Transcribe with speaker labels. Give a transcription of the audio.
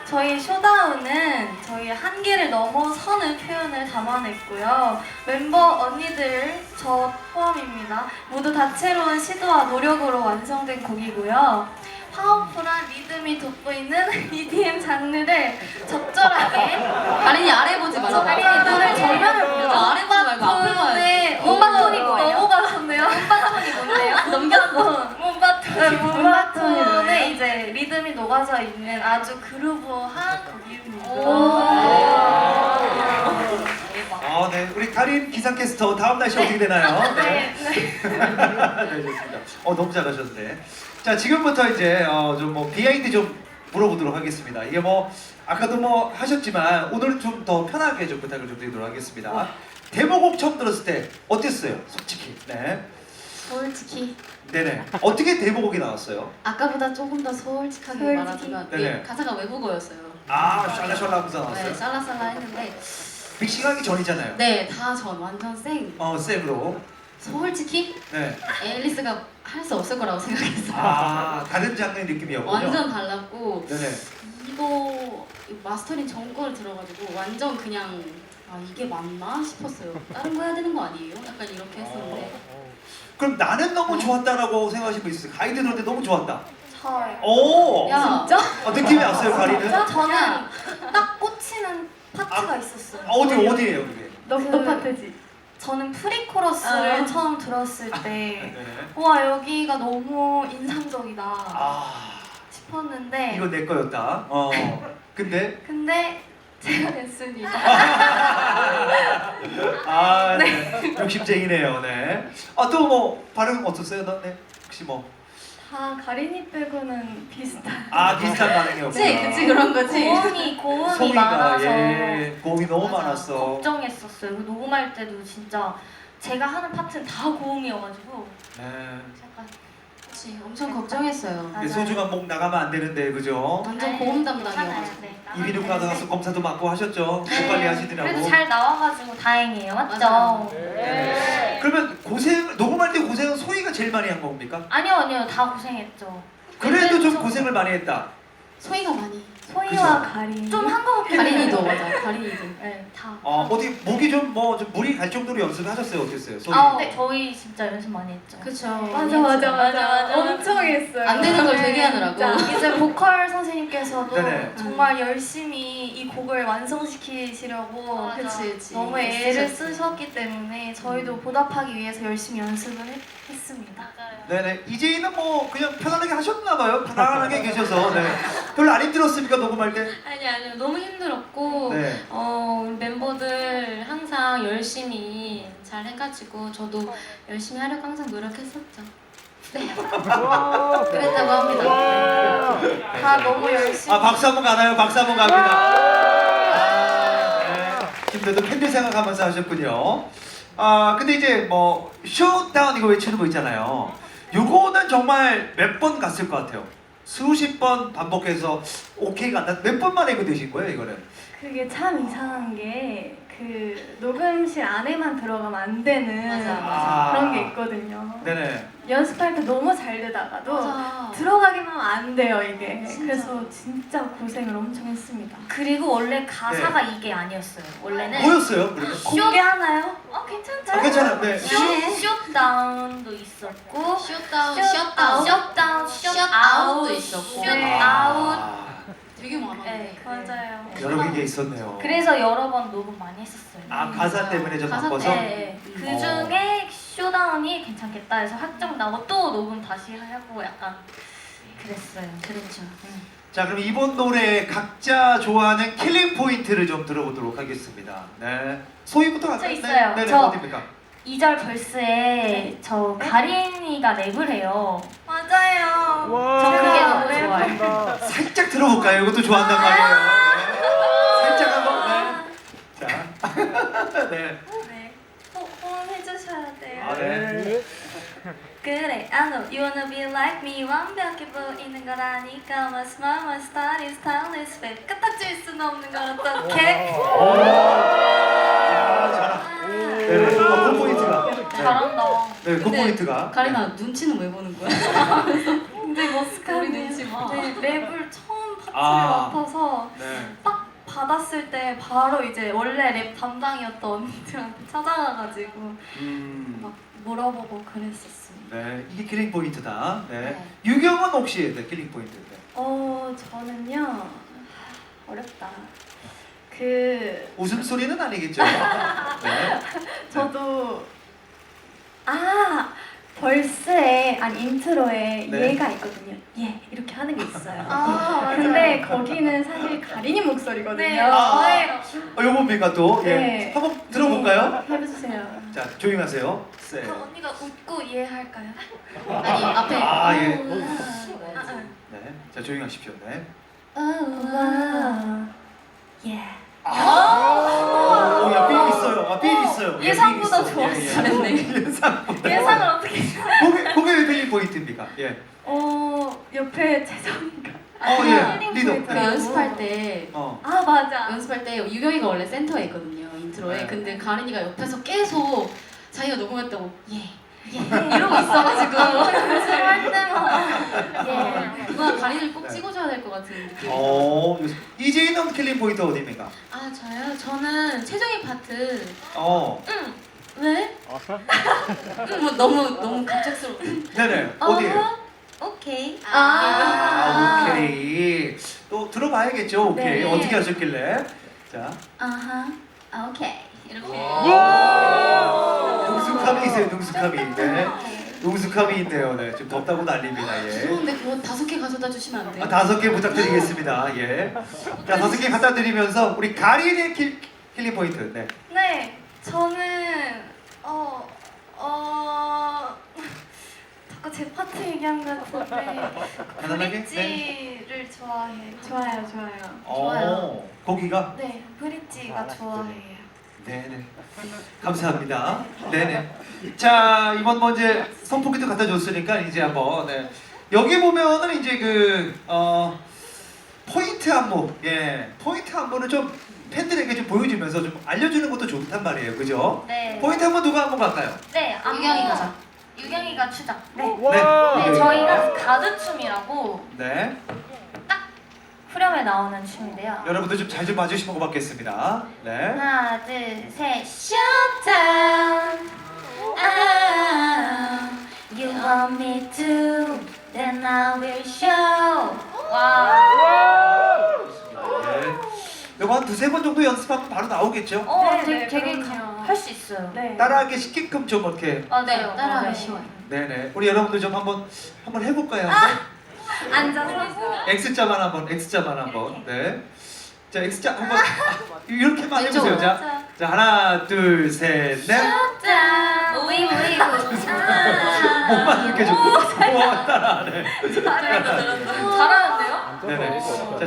Speaker 1: 저희 쇼다운은 저희 한계를 넘어서는 표현을 담아냈고요. 멤버 언니들, 저 포함입니다. 모두 다채로운 시도와 노력으로 완성된 곡이고요. 파워풀한 리듬이 돋보이는 EDM 장르를 적절하게
Speaker 2: 가린이 아래 보지 말라.
Speaker 1: 가린이 눈을 정면을 보면서
Speaker 2: 아래 보지 말고 앞을 봐야지.
Speaker 1: 몬바톤이 뭐예요? 넘어가셨네요. 몬바톤이 뭔데요? 넘겼어. 몬바톤의 이제 리듬이 녹아져 있는 아주 그루브한 곡입니다.
Speaker 3: 아, 네. 우리 가린 기상캐스터 다음 날씨 어떻게 되나요?
Speaker 1: 네.
Speaker 3: 네, 좋습니다. 너무 잘하셨네. 자, 지금부터 이제 좀 뭐 비하인드 좀 물어보도록 하겠습니다. 이게 뭐 아까도 뭐 하셨지만 오늘은 좀 더 편하게 좀 부탁을 좀 드리도록 하겠습니다. 데모곡 처음 들었을 때 어땠어요? 솔직히. 네.
Speaker 2: 솔직히
Speaker 3: 네네. 어떻게 데모곡이 나왔어요?
Speaker 2: 아까보다 조금 더 솔직하게
Speaker 1: 솔직히.
Speaker 2: 말하자면
Speaker 3: 네네.
Speaker 2: 가사가 외국어였어요.
Speaker 3: 아, 샬라샬라 하면서
Speaker 2: 네,
Speaker 3: 나왔어요?
Speaker 2: 쌀라쌀라 했는데
Speaker 3: 믹싱하기 전이잖아요.
Speaker 2: 네, 다 전 완전 생.
Speaker 3: 쌤으로.
Speaker 2: 솔직히
Speaker 3: 네.
Speaker 2: 앨리스가 할 수 없을 거라고 생각했어요.
Speaker 3: 아, 다른 장르의 느낌이었군요.
Speaker 2: 완전 달랐고
Speaker 3: 네네.
Speaker 2: 이거 마스터링 전 거를 들어가지고 완전 그냥 아 이게 맞나 싶었어요. 다른 거 해야 되는 거 아니에요? 약간 이렇게 했었는데
Speaker 3: 그럼 나는 너무 좋았다라고 생각하시는 분 있어요? 가이드 들었는데 너무 좋았다.
Speaker 1: 저요.
Speaker 3: 오!
Speaker 2: 야
Speaker 1: 진짜?
Speaker 3: 느낌이 왔어요, 가리는?
Speaker 1: 진짜 저는 딱 꽂히는 파트가 있었어요.
Speaker 3: 어디예요, 그게?
Speaker 1: 너 파트지? 저는 프리코러스를 처음 들었을 때
Speaker 3: 네.
Speaker 1: 와 여기가 너무 인상적이다
Speaker 3: 아,
Speaker 1: 싶었는데
Speaker 3: 이거 내 거였다. 근데
Speaker 1: 제가 냈습니다.
Speaker 3: 아, 네. 욕심쟁이네요, 네. 또 뭐 반응 어땠어요, 너? 네. 혹시 뭐?
Speaker 1: 다 가린이 빼고는 비슷한
Speaker 3: 비슷한 반응이었구나.
Speaker 2: 그치 그런 거지.
Speaker 1: 고음이
Speaker 3: 소리가
Speaker 1: 많아서
Speaker 3: 고음이 너무
Speaker 2: 맞아.
Speaker 3: 많았어.
Speaker 1: 걱정했었어요. 녹음할 때도 진짜 제가 하는 파트는 다 고음이어가지고
Speaker 3: 네.
Speaker 1: 약간
Speaker 2: 그치 엄청 걱정했어요.
Speaker 1: 맞아요.
Speaker 3: 소중한 목 나가면 안 되는데, 그죠?
Speaker 2: 완전 고음 담당이어가지고.
Speaker 1: 네,
Speaker 3: 이비인후과 가서 검사도 받고 하셨죠? 목 관리 하시더라고.
Speaker 1: 그래도 잘 나와가지고 다행이에요. 맞죠?
Speaker 2: 맞아요.
Speaker 3: 네. 그러면 녹음할 때 고생은 소희가 제일 많이 한 겁니까?
Speaker 1: 아니요. 다 고생했죠.
Speaker 3: 그래도 좀 고생을 많이 했다.
Speaker 2: 소희가 많이.
Speaker 1: 소희와
Speaker 3: 그죠?
Speaker 1: 가린 좀 한 거 같긴 해요.
Speaker 2: 가린이도 맞아. 가린이도.
Speaker 1: 네, 다.
Speaker 3: 어디 목이 좀 물이 갈 정도로 연습하셨어요? 어땠어요? 소희?
Speaker 1: 네, 저희 진짜 연습 많이 했죠.
Speaker 2: 그쵸.
Speaker 1: 맞아. 엄청 했어요.
Speaker 2: 안 되는 걸 되게 하느라고.
Speaker 1: 이제 보컬 선생님께서도
Speaker 3: 네네.
Speaker 1: 정말 열심히 이 곡을 완성시키시려고
Speaker 2: 그치.
Speaker 1: 너무 애를 쓰셨기 때문에 저희도 보답하기 위해서 열심히 연습을 했습니다.
Speaker 3: 네네. 이제는 뭐 그냥 편안하게 하셨나봐요. 편안하게 계셔서. 네. 별로 안 힘들었습니까? 녹음할 때?
Speaker 2: 아니요. 너무 힘들었고
Speaker 3: 네.
Speaker 2: 우리 멤버들 항상 열심히 잘 해가지고 저도 열심히 하려고 항상 노력했었죠. 네. 그랬다고 합니다.
Speaker 1: 다 너무 열심히.
Speaker 3: 박수 한번 가나요? 박수 한번 갑니다. 네. 힘들도 팬들 생각하면서 하셨군요. 근데 이제 뭐 쇼다운 이거 외치는 거 있잖아요. 요거는 정말 몇 번 갔을 것 같아요. 수십 번 반복해서 오케이가 안 나. 몇 번 만에 이거 되신 거예요, 이거는?
Speaker 1: 그게 참 이상한 게 그 녹음실 안에만 들어가면 안 되는
Speaker 2: 맞아.
Speaker 1: 그런 게 있거든요.
Speaker 3: 네네.
Speaker 1: 연습할 때 너무 잘 되다가도
Speaker 2: 맞아.
Speaker 1: 들어가기만 하면 안 돼요 이게.
Speaker 2: 진짜.
Speaker 1: 그래서 진짜 고생을 엄청 했습니다.
Speaker 4: 그리고 원래 가사가 이게 아니었어요. 원래는
Speaker 3: 뭐였어요, 그러면?
Speaker 1: 공개하나요?
Speaker 4: 괜찮죠?
Speaker 3: 괜찮아요. 네.
Speaker 4: 숏다운도 있었고
Speaker 2: 셧다운,
Speaker 4: 숏다운,
Speaker 2: 셧아웃도 있었고.
Speaker 4: 숏아웃.
Speaker 2: 되게 많았네.
Speaker 4: 네,
Speaker 1: 맞아요.
Speaker 3: 여러 개 있었네요.
Speaker 4: 그래서 여러 번 녹음 많이 했었어요.
Speaker 3: 가사 때문에 좀
Speaker 2: 가사
Speaker 3: 바꿔서?
Speaker 4: 네, 그 중에 쇼다운이 괜찮겠다 해서 확정 나고 또 녹음 다시 하고 약간 그랬어요.
Speaker 2: 그렇죠.
Speaker 3: 자, 그럼 이번 노래 각자 좋아하는 킬링 포인트를 좀 들어보도록 하겠습니다. 네. 소희부터 갈까요?
Speaker 4: 저 있어요.
Speaker 3: 네,
Speaker 4: 저-
Speaker 3: 어디입니까?
Speaker 4: 2절 벌스에 저 가린이가 랩을 해요.
Speaker 1: 맞아요.
Speaker 4: 저 그게 너무 좋아요.
Speaker 3: 살짝 들어볼까요? 이것도 좋아한단 말이에요. 네. 살짝 한번. 네. 자. 네.
Speaker 1: 네. 호응해주셔야 돼요.
Speaker 3: 네.
Speaker 1: 그래, I know you wanna be like me. 완벽해 보이는 걸 아니까 my smile, my style is timeless. 왜 까딱질 수는 없는 걸 어떡해?
Speaker 3: 네. 그 포인트가.
Speaker 4: 잘한다.
Speaker 3: 네, 그 포인트가.
Speaker 2: 가린아 눈치는 왜 보는 거야?
Speaker 1: 근데
Speaker 2: 우리
Speaker 1: 머스카네.
Speaker 2: 눈치 봐.
Speaker 1: 네, 랩을 처음
Speaker 3: 아.
Speaker 1: 맡아서
Speaker 3: 네.
Speaker 1: 딱 받았을 때 바로 이제 원래 랩 담당이었던 언니들한테 찾아가가지고 막 물어보고 그랬었어요.
Speaker 3: 네, 이게 킬링 포인트다. 네.
Speaker 2: 네.
Speaker 3: 유경은 혹시 네, 킬링 포인트. 네.
Speaker 1: 저는요 어렵다. 그
Speaker 3: 웃음소리는 아니겠죠? 네.
Speaker 1: 저도 벌스에 아니 인트로에
Speaker 3: 네.
Speaker 1: 얘가 있거든요. 얘 이렇게 하는 게 있어요.
Speaker 2: 맞아요.
Speaker 1: 근데 거기는 사실 가린이 목소리거든요.
Speaker 4: 네,
Speaker 3: 아.
Speaker 4: 저예요.
Speaker 3: 요겁니까 또? 예.
Speaker 1: 네.
Speaker 3: 한번 들어볼까요?
Speaker 1: 네, 해주세요.
Speaker 3: 자, 조용하세요. 세.
Speaker 1: 그럼 언니가 웃고 이해할까요?
Speaker 2: 아니 앞에
Speaker 3: 아, 예.
Speaker 1: 아,
Speaker 3: 네. 자, 조용하십시오. 네.
Speaker 1: 와. 예.
Speaker 3: 오, 야, 삘 있어요. 아, 삘 있어요. 예,
Speaker 1: 예상보다
Speaker 3: 삘 있어.
Speaker 1: 좋았어요.
Speaker 3: 예, 예.
Speaker 2: 잘했네.
Speaker 3: 예상보다.
Speaker 1: 예상을 어떻게?
Speaker 3: 그게 왜 킬링 포인트입니까? 예.
Speaker 1: 옆에 재성이가.
Speaker 3: 예.
Speaker 1: 힐링
Speaker 3: 리더.
Speaker 2: 그
Speaker 1: 포인트라고.
Speaker 2: 연습할 때
Speaker 1: 맞아.
Speaker 2: 연습할 때 유경이가 원래 센터에 있거든요 인트로에.
Speaker 3: 네.
Speaker 2: 근데 가린이가 옆에서 계속 자기가 녹음했다고 이러고 있어가지고
Speaker 1: 연습할 때마다. 예.
Speaker 2: 그거 가린이를 꼭
Speaker 3: 네.
Speaker 2: 찍어줘야 될 것 같은 느낌.
Speaker 3: 이재인은 킬링 포인트 어디입니까?
Speaker 2: 아 저요? 저는 최종의 파트. 왜? 뭐 너무 갑작스러워.
Speaker 3: 네네. 어디에요?
Speaker 2: 오케이.
Speaker 3: 오케이. 또 들어봐야겠죠. 오케이.
Speaker 1: 네.
Speaker 3: 어떻게 하셨길래? 자.
Speaker 2: 오케이. 이렇게.
Speaker 3: 능숙함이 있어요. 능숙함이. 네. 능숙함이 있네요. 네. 지금 덥다고 난립니다. 예.
Speaker 2: 죄송한데 그거 5개 가져다 주시면 안 돼요?
Speaker 3: 5개 부탁드리겠습니다. 예. 자, 5개 갖다 드리면서 우리 가린의 킬링 포인트. 네.
Speaker 1: 네, 저는 자꾸 제 파트 얘기한 것 같은데
Speaker 3: 간단하게?
Speaker 1: 브릿지를 좋아해요. 좋아요.
Speaker 2: 좋아요.
Speaker 3: 거기가?
Speaker 1: 네, 브릿지가 좋아해요.
Speaker 3: 네네. 감사합니다. 네네. 자, 이번 뭐 이제 선풍기도 갖다 줬으니까 이제 한번 네. 여기 보면은 이제 포인트 안무, 포인트 안무는 좀 팬들에게 좀 보여주면서 좀 알려주는 것도 좋단 말이에요, 그죠?
Speaker 4: 네.
Speaker 3: 포인트 안무 누가 한번 갈까요?
Speaker 4: 네, 안무.
Speaker 2: 유경이가 자.
Speaker 4: 유경이가 추자. 네.
Speaker 3: 네,
Speaker 4: 저희가 가드춤이라고
Speaker 3: 네,
Speaker 4: 후렴에 나오는 춤인데요.
Speaker 3: 여러분들 좀 잘 좀 봐주시면 고맙겠습니다. 네.
Speaker 4: 하나, 둘, 셋. Showdown. You want me to, then I will show. 와.
Speaker 3: 네. 이거 한 2-3번 정도 연습하면 바로 나오겠죠?
Speaker 1: 네,
Speaker 4: 되게
Speaker 1: 그럼요.
Speaker 4: 할 수 있어요.
Speaker 1: 네.
Speaker 3: 따라하기 쉽게끔 좀 어떻게?
Speaker 4: 맞아요.
Speaker 2: 따라하기
Speaker 4: 네.
Speaker 2: 쉬워요.
Speaker 3: 네네. 우리 여러분들 좀 한번 해볼까요?
Speaker 1: 앉아서.
Speaker 3: X자만 한번. 네. 자, X자 한번 이렇게만 해보세요.
Speaker 2: 왼쪽으로.
Speaker 3: 자, 하나, 둘, 셋, 넷.
Speaker 4: 짠. 오이.
Speaker 3: 몸만 이렇게 좀. 우와, 따라하네.
Speaker 4: 잘하는데요?
Speaker 3: 네네. 자,